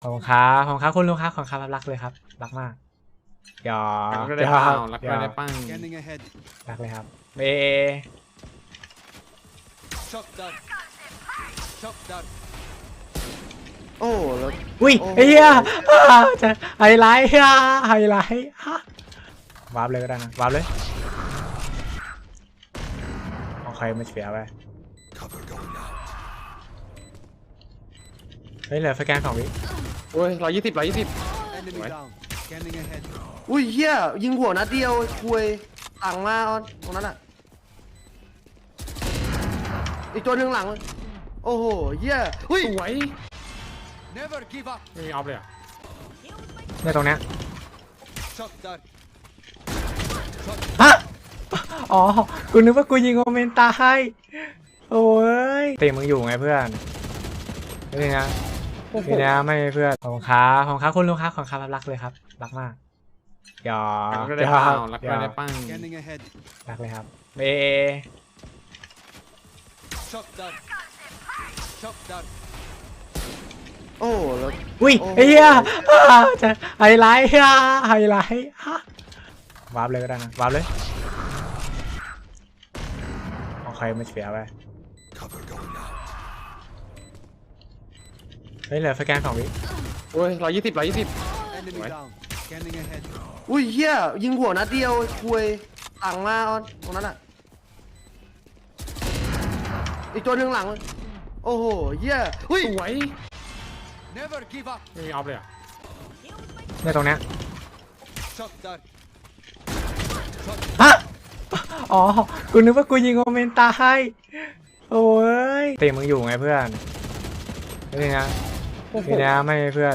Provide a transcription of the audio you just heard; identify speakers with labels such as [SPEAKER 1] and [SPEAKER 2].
[SPEAKER 1] ขอบคุณครับขอบคุณครับคุณลุงครับขอบคุณครับรักเลยครับรักมากหยอ
[SPEAKER 2] รัก
[SPEAKER 1] ก
[SPEAKER 2] ก็ได้
[SPEAKER 1] หย
[SPEAKER 2] เป
[SPEAKER 1] อ
[SPEAKER 2] ล่าก รัก
[SPEAKER 1] หย
[SPEAKER 2] ก็
[SPEAKER 1] อก
[SPEAKER 2] ได้ปั้ง
[SPEAKER 3] Scanning ahead.
[SPEAKER 1] รักเลยครับเอ
[SPEAKER 3] Shot done. Shot done.
[SPEAKER 4] โอ้แล้ว
[SPEAKER 1] อุ้ย
[SPEAKER 4] โอ้
[SPEAKER 1] ไอ้เหี้ยจะไฮไลท์ไฮไลท์วาร์ปเลยก็ได้นะวาร์ปเลยโอเคไม่เสียไปเฮ้ยเหลือสแกน2 วิ
[SPEAKER 2] โอ้ย120
[SPEAKER 3] Enemy
[SPEAKER 2] What?
[SPEAKER 3] down. Scanning ahead.
[SPEAKER 4] อุ้ยเฮียยิงหัวนัดเดียวคุยต่างมาตรงนั้นอ่ะอีกตัวหนึ่งหลังโอ้โหเฮียอุ้ย
[SPEAKER 2] สวย
[SPEAKER 3] Never give up.
[SPEAKER 2] ไม่มีออฟเลยอ่ะ
[SPEAKER 1] เนี่ยตรงเนี้ย
[SPEAKER 3] Shot done.
[SPEAKER 1] ฮะอ๋อกูนึกว่ากูยิงโอเมนตาให้โอ้ยเตะมึงอยู่ไงเพื่อนนี่นะนี่นะไม่เพื่อนขอบคุณครับขอบคุณครับคุณลุงครับขอบคุณครับรักเลยครับรักมากหยอ
[SPEAKER 2] รัก
[SPEAKER 1] ก
[SPEAKER 2] ก็
[SPEAKER 1] ห
[SPEAKER 2] ได้
[SPEAKER 1] ย
[SPEAKER 2] เป
[SPEAKER 1] อ
[SPEAKER 2] ล่าก รัก
[SPEAKER 1] หย
[SPEAKER 2] ก็
[SPEAKER 1] อก
[SPEAKER 2] ได้ปั้ง
[SPEAKER 3] Scanning ahead.
[SPEAKER 1] รักเลยครับเ
[SPEAKER 3] Shot done. Shot done.
[SPEAKER 4] โอ้แล้ว
[SPEAKER 1] อุ้ย
[SPEAKER 4] โอ้
[SPEAKER 1] ไอ้เหี้ยจะไฮไลท์ไฮไลท์วาร์ปเลยก็ได้นะวาร์ปเลยโอเคไม่เสียไปเฮ้ยเหลือสแกน2 วิ
[SPEAKER 2] โอ้ย120
[SPEAKER 3] Enemy
[SPEAKER 2] What?
[SPEAKER 3] down. Scanning ahead.
[SPEAKER 4] อุ้ยเฮียยิงหัวนัดเดียวคุยต่างมาตรงนั้นอ่ะอีกตัวหนึ่งหลังโอ้โหเฮียอุ้ย
[SPEAKER 2] สวย
[SPEAKER 3] Never give up.
[SPEAKER 2] ไม่มีออฟเลยอ่ะ
[SPEAKER 1] เนี่ยตรงเนี้ย
[SPEAKER 3] Shot done.
[SPEAKER 1] ฮะอ๋อกูนึกว่ากูยิงโอเมนตาให้โอ้ยเตะมึงอยู่ไงเพื่อนนี่นะนี่นะไม่เพื่อน